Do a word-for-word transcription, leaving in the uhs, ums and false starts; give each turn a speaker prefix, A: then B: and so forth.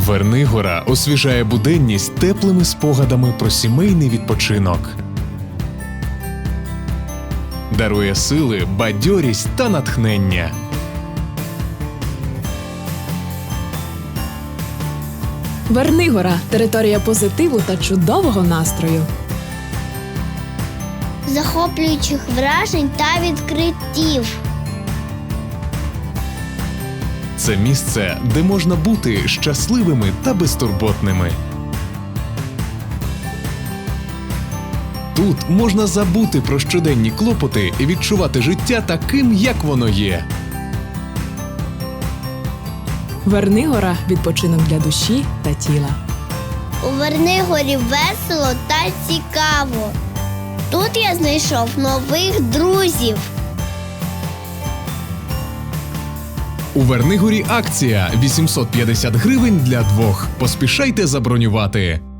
A: Вернигора освіжає буденність теплими спогадами про сімейний відпочинок. Дарує сили, бадьорість та натхнення.
B: Вернигора – територія позитиву та чудового настрою.
C: Захоплюючих вражень та відкриттів.
A: Це місце, де можна бути щасливими та безтурботними. Тут можна забути про щоденні клопоти і відчувати життя таким, як воно є.
B: Вернигора – відпочинок для душі та тіла.
C: У Вернигорі весело та цікаво. Тут я знайшов нових друзів.
A: У Вернигорі акція вісімсот п'ятдесят гривень для двох. Поспішайте забронювати.